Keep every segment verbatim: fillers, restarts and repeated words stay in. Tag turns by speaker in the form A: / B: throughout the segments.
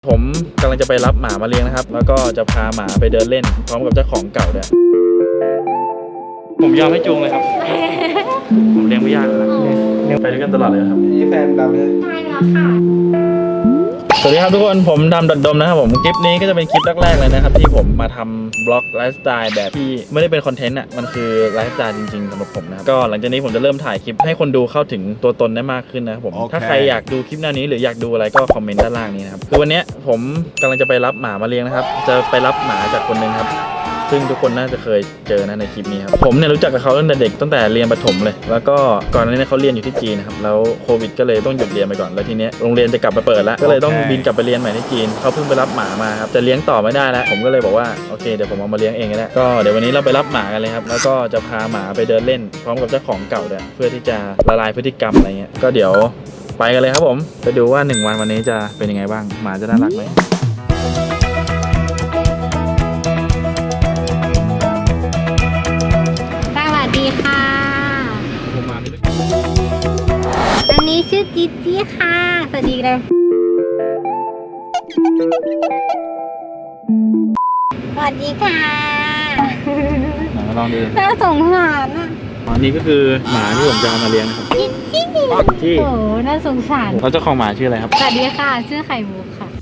A: ผมกำลังจะไปรับหมามาเลี้ยงนะครับแล้วก็จะพาหมาไปเดินเล่นพร้อมกับเจ้าของเก่าด้วยผมยอมให้จูงเลยครับผมเลี้ยงไม่ยากนะเลี้ยงไปด้วยกันตลอดเลยครับ
B: นี่แฟนดำใช่ไหม
C: ใช่แล้วค่ะ
A: สวัสดีครับทุกคนผมดำดัดดมนะครับผมคลิปนี้ก็จะเป็นคลิปแรกๆเลยนะครับที่ผมมาทำบล็อกไลฟ์สไตล์แบบที่ไม่ได้เป็นคอนเทนต์อ่ะมันคือไลฟ์สไตล์จริงๆสำหรับผมนะครับก็หลังจากนี้ผมจะเริ่มถ่ายคลิปให้คนดูเข้าถึงตัวตนได้มากขึ้นนะครับผม okay. ถ้าใครอยากดูคลิปหน้านี้หรืออยากดูอะไรก็คอมเมนต์ด้านล่างนี้นะครับคือวันนี้ผมกำลังจะไปรับหมามาเลี้ยงนะครับจะไปรับหมาจากคนนึงครับซึ่งทุกคนน่าจะเคยเจอนะในคลิปนี้ครับผมเนี่ยรู้จักกับเขาตั้งแต่เด็กตั้งแต่เรียนประถมเลยแล้วก็ก่อนหน้านี้เขาเรียนอยู่ที่จีนนะครับแล้วโควิดก็เลยต้องหยุดเรียนไปก่อนแล้วทีนี้โรงเรียนจะกลับมาเปิดแล้วก็เลยต้องบินกลับไปเรียนใหม่ที่จีนเขาเพิ่งไปรับหมามาครับจะเลี้ยงต่อไม่ได้แล้วผมก็เลยบอกว่าโอเคเดี๋ยวผมเอามาเลี้ยงเองก็ได้ก็เดี๋ยววันนี้เราไปรับหมากันเลยครับแล้วก็จะพาหมาไปเดินเล่นพร้อมกับเจ้าของเก่าด้วยเพื่อที่จะละลายพฤติกรรมอะไรเงี้ยก็เดี๋ยวไปกันเลยครับผมไปดูว่าหนึ่งวันวันนี้จะเป็นยังไงบ้างหมาจะน่ารักไหม
C: สวัสดีค่ะอันนี้ชื่อจิจี้ค่ะสวัสดีเลยสวัสดีค่ะ
A: ลองดู
C: น่าสงสารอ่ะ
A: อันนี้ก็คือหมาที่ผมจะเอามาเลี้ยงนะครับ
C: จิจี้ที่โอ้น่าสงสาร
A: แล้วเจ้าของหมาชื่ออะไรครับ
C: สวัสดีค่ะชื่อไข่มุกค่ะ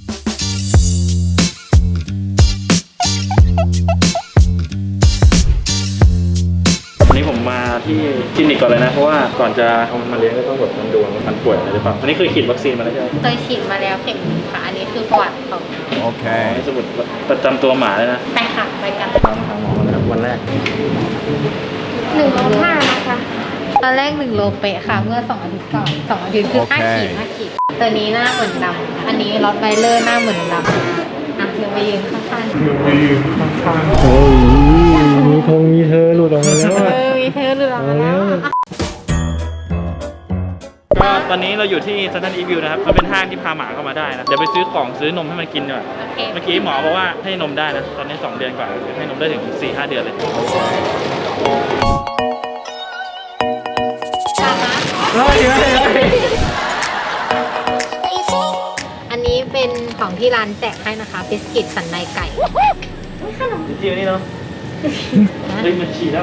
A: วันนี้ผมมาที่คลินิกก่อนเลยนะเพราะว่าก่อนจะเอามันมาเลี้ยงก็ต้องแบบมันดูว่ามันป่วยอะไรหรือเปล่าอันนี้เคยฉีดวัคซีนมาแล้วใช่ไหม
C: เคยฉีดมาแล้วเข็มหนึ่งค่ะอันนี้คือประวัติของ
A: โอเคสมุดประจำตัวหมาเลยนะ
C: ไปค่ะไปกัน
A: ตามทางหมอมาแล้ววันแรก
C: หนึ่งโลห้านะคะตอนแรกหนึ่งโลเป๊ะค่ะเมื่อสองอาทิตย์ก่อนสองอาทิตย์คือห้าขีดห้าขีดตัวนี้หน้าเหมือนดำอันนี้ลอตไวเลอร์หน้าเหมือนดำอ่ะเดี๋ยวไปยืนข้างๆ
A: ไปยืนข้างๆโอ้ยมีทงมีเธอหลุดออกมาแล้ว
C: เออมีเธอหลุดออกมาแล้ว
A: ก็ตอนนี้เราอยู่ที่เซ็นทรัลอีสต์วิวนะครับมันเป็นห้างที่พาหมาเข้ามาได้นะเดี๋ยวไปซื้อของซื้อนมให้มันกินดีกว่าเมื่อกี้หมอบอกว่าให้นมได้นะตอนนี้สองเดือนกว่าให้นมได้ถึง สี่ห้า เดือนเลย
C: อันนี้เป็นของที่ร้านแจกให้นะคะบิสกิตสันในไก่ขนม
A: จีนี่เนาะเฮ้ยมันฉี่แล้ว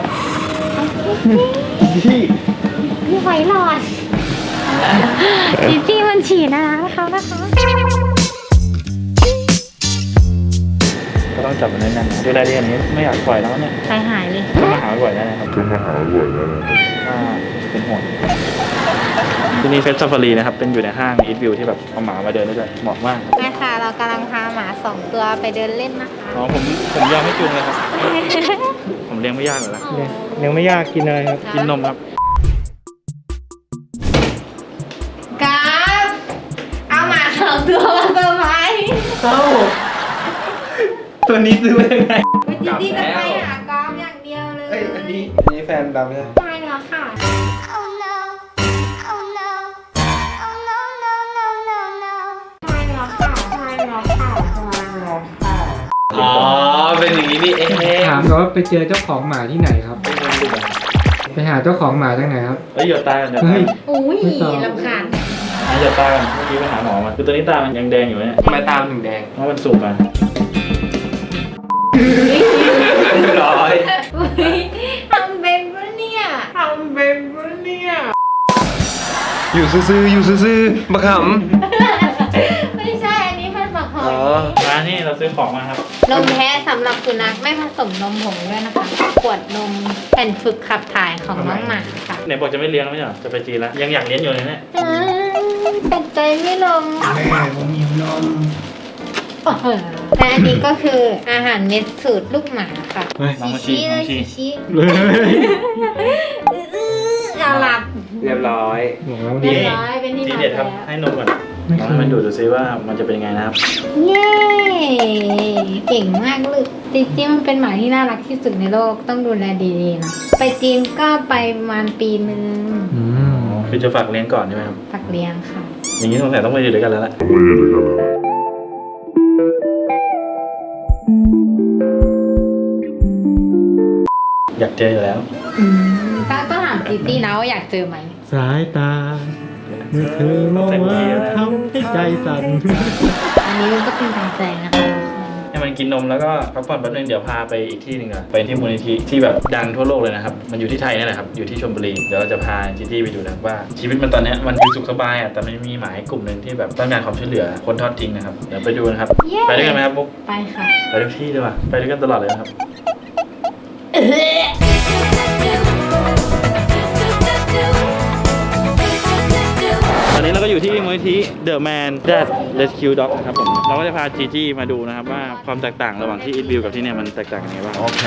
A: จี
C: พี่ไฟหลอดจีจี้มันฉี่นะคะเขานะคะ
A: ก็ต้องจับมันแน่นๆดูแลดีอันนี้ไม่อยากปล่อยแล้วเนี่ย
C: ใจหายเลย
A: ก็มาหาบ่อยแล้วนะครับก็มาหาบ่อยแล้วนะครับเป็นห่วงที่นี่เฟสซาฟารีนะครับเป็นอยู่ในห้างอีทวิวที่แบบเอาหมามาเดินได้ด้วยเหมาะมาก
C: แม่ค่ะเรากำลังพาหมาสองตัวไปเดินเล่นนะคะ
A: อ๋อผมผมยอมให้จูงเลยครับผมเลี้ยงไม่ยากเลยนะ
B: เลี้ยงไม่ยากกินอะไรครับ
A: กินนมครับ
C: ครับเอาหมาสองตัวมาเซอร์ไพรส์
A: เอ้าตัวนี้ซื้อมายังไง
C: จิจี้จะไปหากอล์ฟอย่างเดียวเลย
B: เอ้ยอันนี้นี่แฟนดำใช่ไหม
C: ใช่แล้วค่ะ
B: อ๋อเป็นอย่างนี้นี่เองถามเขาว่าไปเจอเจ้าของหมาที่ไหนครับไปหาเจ้าของหมาจากไหนครับ
A: เฮ้ยหยดตากันหยดตา
C: อุ้ยรำคาญ
A: หยดตากันเมื่อกี้ไปหาหมอมาคือตัวนี้ตามันยังแดงอยู่เนี่ย
B: ทำไมตามันถึงแดง
A: เพราะมันสุกอ่ะ
B: เรียบร้อย
C: ทำเป็นปะเนี่ยทำเป็นปะเนี่ย
B: อยู่ซื่อๆอยู่ซื่อๆมาข
C: ำไม่ใช่อันนี้เป็นหมักหอย
A: ร้านนี้เราซื้อของมาครับ
C: นมแท้สำหรับสุนัขไม่ผสมนมผงด้วยนะคะขวดนมแผ่นฝึกขับถ่ายของน้องหมาค่ะ
A: ไหนบอกจะไม่เลี้ยงแล้วไม่ใช่หรอจะไปจีนแล้วยังอยากเลี้ยงอยู่เลยเนี่ย
C: เป็นใจไม่ลง
B: แม่ผมหิวนม
C: และอันนี้ก็คืออาหารเม็ดสูตรลูกหมาค่ะชิชิเลยชิชิเอาหลับ
B: เรียบร้อย
C: เรียบร้อยเป็นที่
A: ทีเด็ดครับให้นมก่อนน้องให้มันดูดูซิว่ามันจะเป็นยังไงนะครับ
C: เย้เก่งมากลูกจริงๆมันเป็นหมาที่น่ารักที่สุดในโลกต้องดูแลดีๆนะไปจีนก็ไปประมาณปีนึง
A: อืมคือจะฝากเลี้ยงก่อนใช่ไหมครับ
C: ฝากเลี้ยงค่ะ
A: อย่างนี้สงสัยต้องไปอยู่ด้วยกันแล้วล่ะอยากเจออยู่แล้ว
C: ต้องต้องถามจีตี้นะว่าอยากเจอไหม
B: สายตาเมื่อเธอมองมาทำให้ใจสั่น
C: อันนี้มันก็เป็นกำแพงนะคะ
A: ให้มันกินนมแล้วก็พักผ่อนแป๊บนึงเดี๋ยวพาไปอีกที่หนึ่งอ่ะไปที่มูลนิธิที่แบบดังทั่วโลกเลยนะครับมันอยู่ที่ไทยนี่แหละครับอยู่ที่ชลบุรีเดี๋ยวเราจะพาจีจี้ไปดูนะว่าชีวิตมันตอนนี้มันคือสุขสบายอ่ะแต่มันมีหมายกลุ่มหนึ่งที่แบบต้องการความช่วยเหลือคนทอดทิ้งนะครับเดี๋ยวไปดูนะครับไปด้วยกันไหมครับบุ๊ก
C: ไปค่ะ
A: ไปทุกที่ด้วยว่ะไปด้วยกันตลอดเลยนะครับตอนนี้เราก็อยู่ที่มูลนิธิ The Man That Rescue Dog นะครับผมเราก็จะพาจีจี้มาดูนะครับว่าความแตกต่างระหว่างที่อีทวิวกับที่เนี่ยมันแตกต่างยังไงบ้างโอเค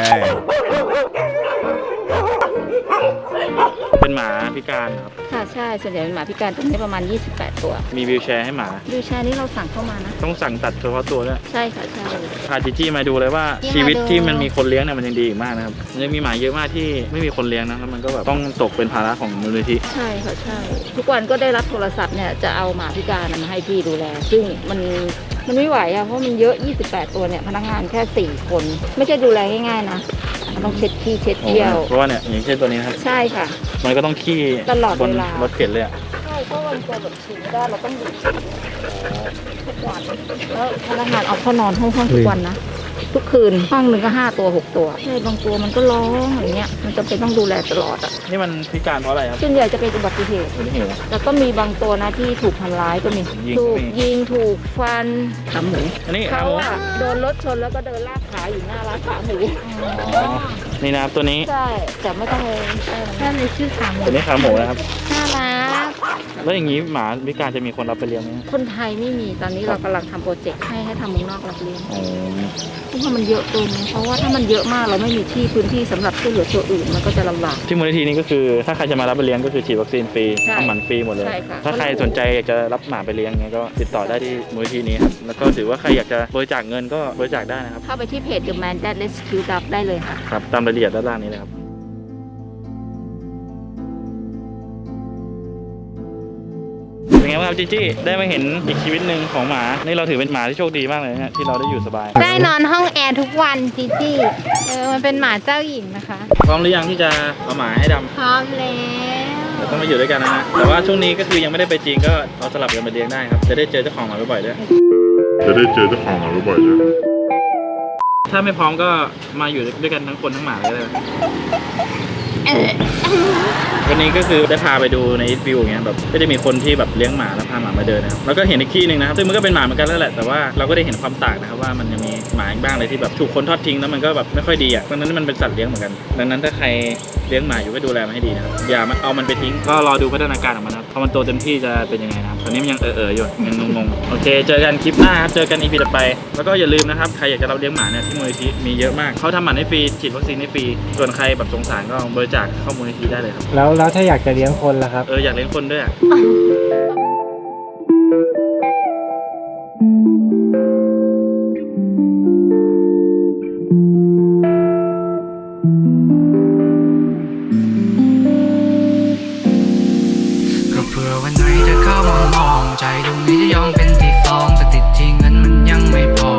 A: เป็นหมาพิการครับ
D: ค่ะใช่ส่วนใหญ่เป็นหมาพิการตัวนี้ประมาณยี่สิบแปดตัว
A: มีวีลแชร์ให้หมา
D: วีลแชร์นี้เราสั่งเข้ามานะ
A: ต้องสั่งตัดเฉพาะตัวด้วย
D: ใช่ค่ะใช่
A: พาจีจี้มาดูเลยว่าชีวิตที่มันมีคนเลี้ยงเนี่ยมันยังดีอีกมากนะครับมันยังมีหมาเยอะมากที่ไม่มีคนเลี้ยงนะแล้วมันก็แบบต้องตกเป็นภาระของมูลนิธิ
D: ใช่ค่ะใช่ทุกวันก็ได้รับโทรศัพท์เนี่ยจะเอาหมาพิการมาให้พี่ดูแลซึ่งมันมันไม่ไหวอะเพราะมันเยอะยี่สิบแปดตัวเนี่ยพนักงานแค่สี่คนไม่ใช่ดูแลง่ายๆนะมันต้องเช็ดขี้เช็ดเยี่ยว
A: เพราะว่าเนี่ยอย่างเช่นตัวนี้นะครับ
D: ใช่ค่ะ
A: มันก็ต้องขี้
D: ตลอดเวลา
A: บนรถเข็นเลยอะ
D: ใช่เพราะวันตัวแบบฉี่ไม่ได้เราต้องหยุดทุกวันแล้วพนักงานเอาเข้านอนห้องห้องทุกวันนะทุกคืนห้องหนึ่งก็ห้าตัวหกตัวใช่บางตัวมันก็ร้องอย่างเงี้ยมันจะเป็นต้องดูแลตลอดอ่ะ
A: นี่มันพิการเพราะอะไรครับ
D: ส่วนใหญ่จะเป็นอุบัติเหตุแต่ก็มีบางตัวนะที่ถูกทำร้ายก็มีถูกยิงถูกฟันขาหมู
A: อันนี้
D: เขาอะโดนรถชนแล้วก็เดินลากขาอยู่หน้าร้านขาหมู
A: นี่นะครับตัวนี้
D: ใช่แต่ไม่ต้องเลย
C: แค่ในชื่อขาหมู
A: ตัวนี้ขาหมูนะครับ
C: น่ารัก
A: แล้วอย่างนี้หมาพิการจะมีคนรับไปเลี้ยงไหม
D: คนไทยไม่มีตอนนี้เรากำลังทำโปรเจกต์ให้ให้ทำเมืองนอกรับเลี้ยงเพราะว่ามันเยอะเกินเพราะว่าถ้ามันเยอะมากเราไม่มีที่พื้นที่สำหรับช่วยเหลือตัวอื่นมันก็จะลำบาก
A: ที่มูลนิธินี้ก็คือถ้าใครจะมารับไปเลี้ยงก็คือฉีดวัคซีนฟรีทำหมันฟรีหมดเลยถ้าใครสนใจอยากจะรับหมาไปเลี้ยงเงี้ยก็ติดต่อได้ที่มูลนิธินี้ครับแล้วก็ถือว่าใครอยากจะบริจาคเงินก็บริจาคได้นะครับ
D: เข้าไปที่เพจ The Man That Rescue Dog ได้เลยค่ะ
A: ครับตามรายละเอียดด้านล่างนี้เลยครับเป็นไงบ้างครับจีจี้ได้มาเห็นอีกชีวิตหนึ่งของหมานี่เราถือเป็นหมาที่โชคดีมากเลยนะที่เราได้อยู่สบาย
C: ได้นอนห้องแอร์ทุกวันจีจี้เออมันเป็นหมาเจ้าหญิงนะคะ
A: พร้อมหรือยังที่จะเอาหมาให้ดำ
C: พร้อมแล้ว
A: เราต้องมาอยู่ด้วยกันนะแต่ว่าช่วงนี้ก็คือยังไม่ได้ไปจีนก็เราสลับกันมาเลี้ยงได้ครับจะได้เจอเจ้าของหมาบ่อยๆด้วย
E: จะได้เจอเจ้าของหมาบ่อยๆด้วย
A: ถ้าไม่พร้อมก็มาอยู่ด้วยกันทั้งคนทั้งหมาเลยเลยวันนี้ก็คือได้พาไปดูในอีทวิวอย่างเงี้ยแบบก็จะมีคนที่แบบเลี้ยงหมาแล้วพาหมามาเดินนะครับแล้วก็เห็นอีกที่หนึ่งนะครับซึ่งมันก็เป็นหมาเหมือนกันแล้วแหละแต่ว่าเราก็ได้เห็นความต่างนะครับว่ามันยังมีหมาอีกบ้างเลยที่แบบถูกคนทอดทิ้งแล้วมันก็แบบไม่ค่อยดีอ่ะเพราะนั้นมันเป็นสัตว์เลี้ยงเหมือนกันดังนั้นถ้าใครเลี้ยงหมาอยู่ก็ดูแลมันให้ดีนะครับอย่าเอามันไปทิ้งก็รอดูพัฒนาการของมันนะครับพอมันโตเต็มที่จะเป็นยังไงนะครับตอนนี้มันยังเออเอออยู่ยังงงๆโอเคเจอกันคลิปหน้าครับเจอกันอีพีต่อไปแล้วก็อย่าลืมนะครับใครอยากจะรับเลี้ยงหมาเนี่ยที่มูลนิธิมีเยอะมากเขาทำหมันให้ฟรีฉีดวัคซีนให้ฟรีส่วนใครแบบสงสารก็บริจาคเข้ามูลนิธิได้เลยครับ
B: แล้วแล้วถ้าอยากจะเลี้ยงคนล่ะครับ
A: เอออยากเลี้ยงคนด้วย
F: ก็เผื่อวันไหนจะเข้ามามองใจดวงนี้จะยอมเป็นที่ฟองแต่ติดที่เงินมันยังไม่พอ